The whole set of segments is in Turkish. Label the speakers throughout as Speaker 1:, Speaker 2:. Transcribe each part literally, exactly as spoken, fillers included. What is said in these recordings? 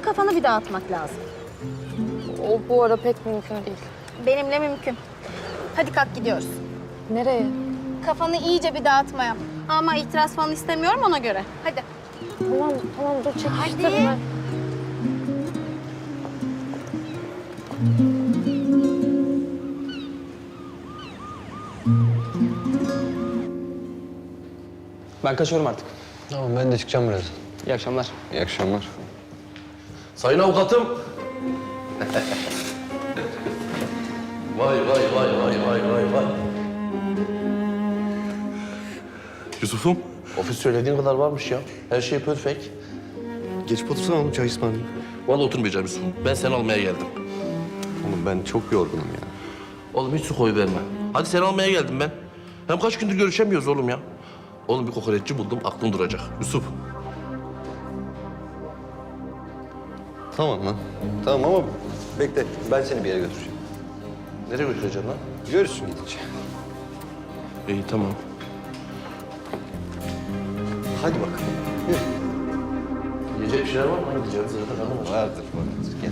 Speaker 1: kafanı bir dağıtmak lazım.
Speaker 2: O bu ara pek mümkün değil.
Speaker 1: Benimle mümkün. Hadi kalk gidiyoruz.
Speaker 2: Nereye?
Speaker 1: Kafanı iyice bir dağıtmaya. Ama itiraz falan istemiyorum ona göre. Hadi.
Speaker 2: Tamam, tamam dur çekiştirme.
Speaker 1: Hadi.
Speaker 3: Ben kaçıyorum artık.
Speaker 4: Tamam ben de çıkacağım biraz.
Speaker 3: İyi akşamlar.
Speaker 4: İyi akşamlar.
Speaker 5: Sayın avukatım. Vay vay vay vay vay vay vay. Yusuf'um, ofis söylediğin kadar varmış ya. Her şey perfect.
Speaker 6: Geçip otursana oğlum, çay ısmarlayayım.
Speaker 5: Vallahi oturmayacağım Yusuf'um. Ben seni almaya geldim.
Speaker 6: Oğlum ben çok yorgunum ya.
Speaker 5: Oğlum hiç su koy verme. Hadi seni almaya geldim ben. Hem kaç gündür görüşemiyoruz oğlum ya. Oğlum bir kokoreççi buldum, aklın duracak. Yusuf.
Speaker 6: Tamam lan. Tamam ama bekle, ben seni bir yere götüreceğim.
Speaker 5: Nereye götüreceksin lan?
Speaker 6: Görürsün gidince.
Speaker 5: İyi tamam.
Speaker 6: Hadi bakalım. Yürü.
Speaker 5: Yiyecek bir şeyler var mı? Hani gideceğiz zaten hanım var.
Speaker 6: Vardır, vardır. Gel.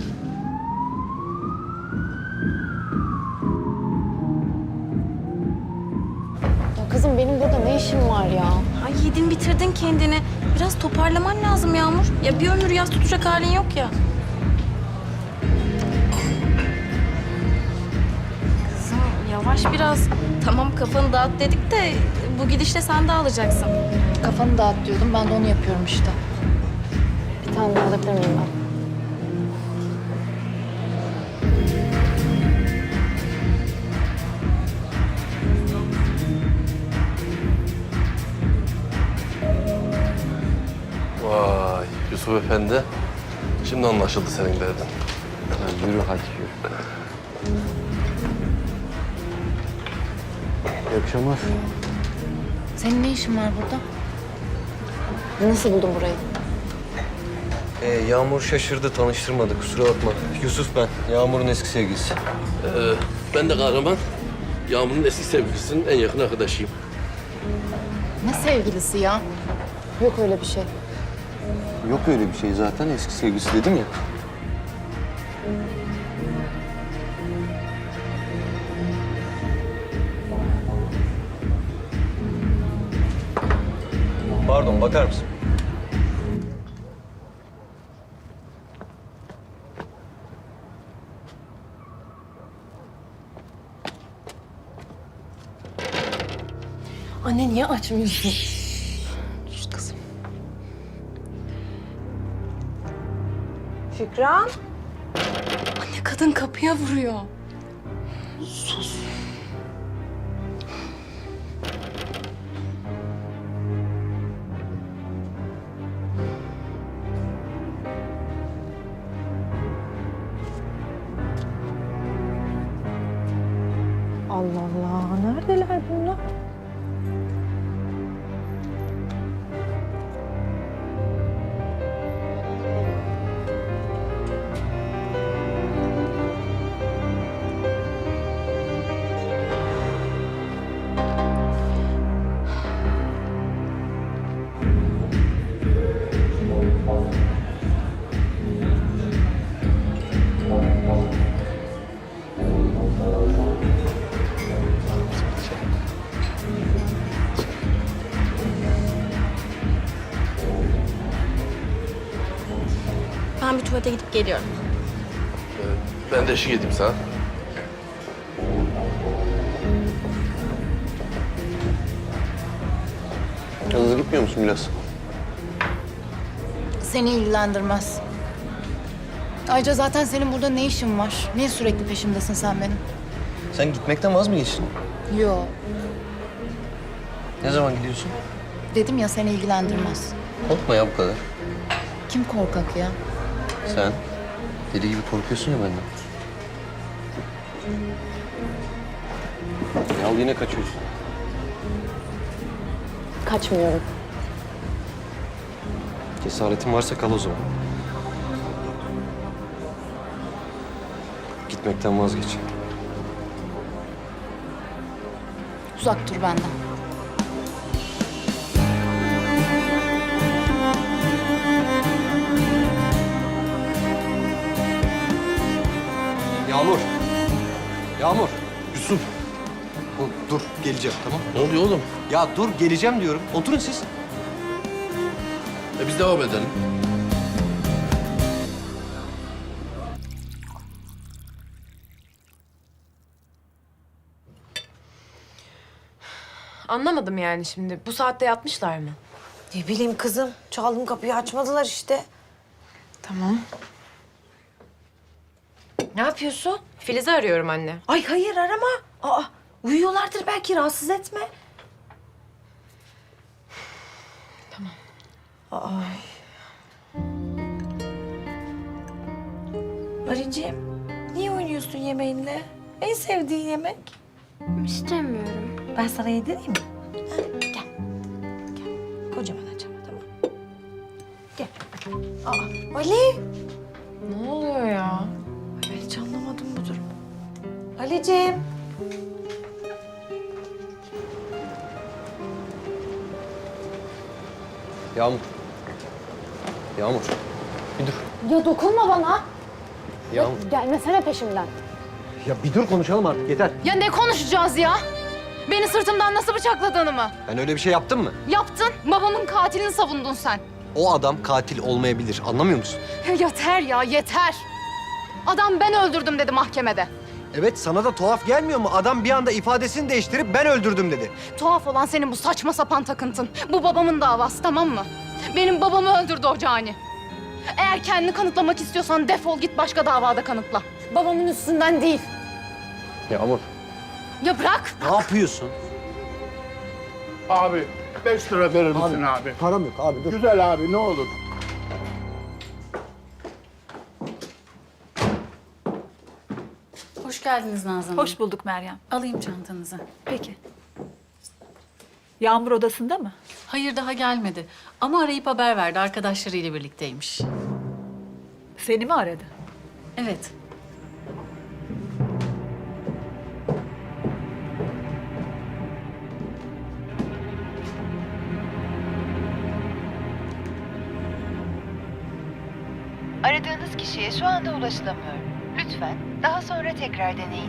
Speaker 2: Ya kızım benim burada ne işim var ya?
Speaker 1: Ay yedin bitirdin kendini. Biraz toparlaman lazım Yağmur. Ya bir ömür yas tutacak halin yok ya. Kızım yavaş biraz. Tamam kafanı dağıt dedik de bu gidişle sen dağılacaksın.
Speaker 2: Kafanı dağıt diyordum, ben de onu yapıyorum işte. Bir tane daha alabilir miyim ben?
Speaker 5: Vay Yusuf Efendi. Şimdi anlaşıldı senin derdin.
Speaker 4: Ha, yürü hadi yürü. İyi akşamlar.
Speaker 2: Senin ne işin var burada? Nasıl buldun burayı?
Speaker 4: Ee, Yağmur şaşırdı, tanıştırmadı. Kusura bakma. Yusuf ben, Yağmur'un eski sevgilisi.
Speaker 5: Ee, ben de kahraman. Yağmur'un eski sevgilisinin en yakın arkadaşıyım.
Speaker 2: Ne sevgilisi ya? Yok öyle bir şey.
Speaker 4: Yok öyle bir şey zaten, eski sevgilisi dedim ya. Pardon, bakar mısın?
Speaker 2: Anne niye açmıyorsun? Sus kızım.
Speaker 7: Şükran.
Speaker 2: Anne kadın kapıya vuruyor.
Speaker 7: Allah Allah, neredeler bunlar?
Speaker 1: Ben bir tuvalete gidip geliyorum.
Speaker 5: Ben de eşlik edeyim sana.
Speaker 4: Yalnız gitmiyor musun biraz?
Speaker 2: Seni ilgilendirmez. Ayrıca zaten senin burada ne işin var? Niye sürekli peşimdesin sen benim?
Speaker 4: Sen gitmekten vaz mı geçtin?
Speaker 2: Yo.
Speaker 4: Ne zaman gidiyorsun?
Speaker 2: Dedim ya seni ilgilendirmez.
Speaker 4: Korkma ya bu kadar.
Speaker 2: Kim korkak ya?
Speaker 4: Sen deli gibi korkuyorsun ya benden. Ya al yine kaçıyorsun.
Speaker 2: Kaçmıyorum.
Speaker 4: Cesaretin varsa kal o zaman. Gitmekten vazgeç.
Speaker 2: Uzak dur benden.
Speaker 6: Yağmur. Yağmur. Yusuf. Oğlum, dur geleceğim tamam.
Speaker 5: Ne oluyor oğlum?
Speaker 6: Ya dur geleceğim diyorum. Oturun siz.
Speaker 5: E biz devam edelim.
Speaker 8: Anlamadım yani şimdi. Bu saatte yatmışlar mı?
Speaker 7: Ne bileyim kızım. Çaldım kapıyı açmadılar işte.
Speaker 8: Tamam.
Speaker 7: Ne yapıyorsun?
Speaker 8: Filiz'i arıyorum anne.
Speaker 7: Ay hayır arama. Aa uyuyorlardır belki rahatsız etme. Tamam. Ay. Arıcığım niye oynuyorsun yemeğinle? En sevdiğin yemek.
Speaker 9: İstemiyorum.
Speaker 7: Ben sana yedireyim mi? Ha, gel. Gel. Kocaman açama tamam. Gel. Aa, Ali.
Speaker 8: Ne oluyor ya?
Speaker 7: Ay, ben hiç anlamadım bu durumu. Ali'ciğim.
Speaker 6: Yağmur. Yağmur. Bir dur.
Speaker 2: Ya dokunma bana.
Speaker 6: Yağmur.
Speaker 2: Gelmesene peşimden.
Speaker 6: Ya bir dur konuşalım artık yeter.
Speaker 2: Ya ne konuşacağız ya? Beni sırtımdan nasıl bıçakladığını mı?
Speaker 6: Ben öyle bir şey yaptım mı?
Speaker 2: Yaptın. Babamın katilini savundun sen.
Speaker 6: O adam katil olmayabilir. Anlamıyor musun?
Speaker 2: Ya yeter ya yeter. Adam ben öldürdüm dedi mahkemede.
Speaker 6: Evet sana da tuhaf gelmiyor mu? Adam bir anda ifadesini değiştirip ben öldürdüm dedi.
Speaker 2: Tuhaf olan senin bu saçma sapan takıntın. Bu babamın davası tamam mı? Benim babamı öldürdü o cani. Eğer kendini kanıtlamak istiyorsan defol git başka davada kanıtla. Babamın üstünden değil.
Speaker 6: Yağmur.
Speaker 2: Ya bırak.
Speaker 6: Ne yapıyorsun?
Speaker 10: Abi beş lira verir misin abi?
Speaker 6: Param yok abi dur.
Speaker 10: Güzel abi ne olur.
Speaker 11: Hoş geldiniz Nazan Hanım.
Speaker 9: Hoş bulduk Meryem.
Speaker 11: Alayım çantanızı.
Speaker 9: Peki. Yağmur odasında mı?
Speaker 11: Hayır daha gelmedi. Ama arayıp haber verdi. Arkadaşlarıyla birlikteymiş.
Speaker 9: Seni mi aradı?
Speaker 11: Evet.
Speaker 12: Aradığınız kişiye şu anda ulaşılamıyor. Lütfen daha sonra tekrar deneyin.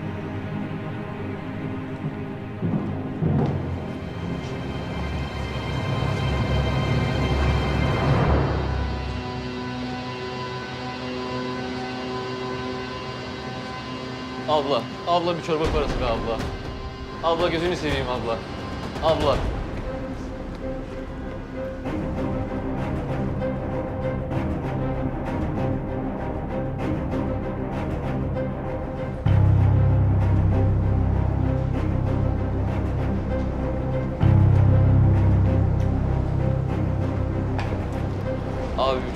Speaker 3: Abla, abla bir çorba parası be abla. Abla gözünü seveyim abla. Abla. Abi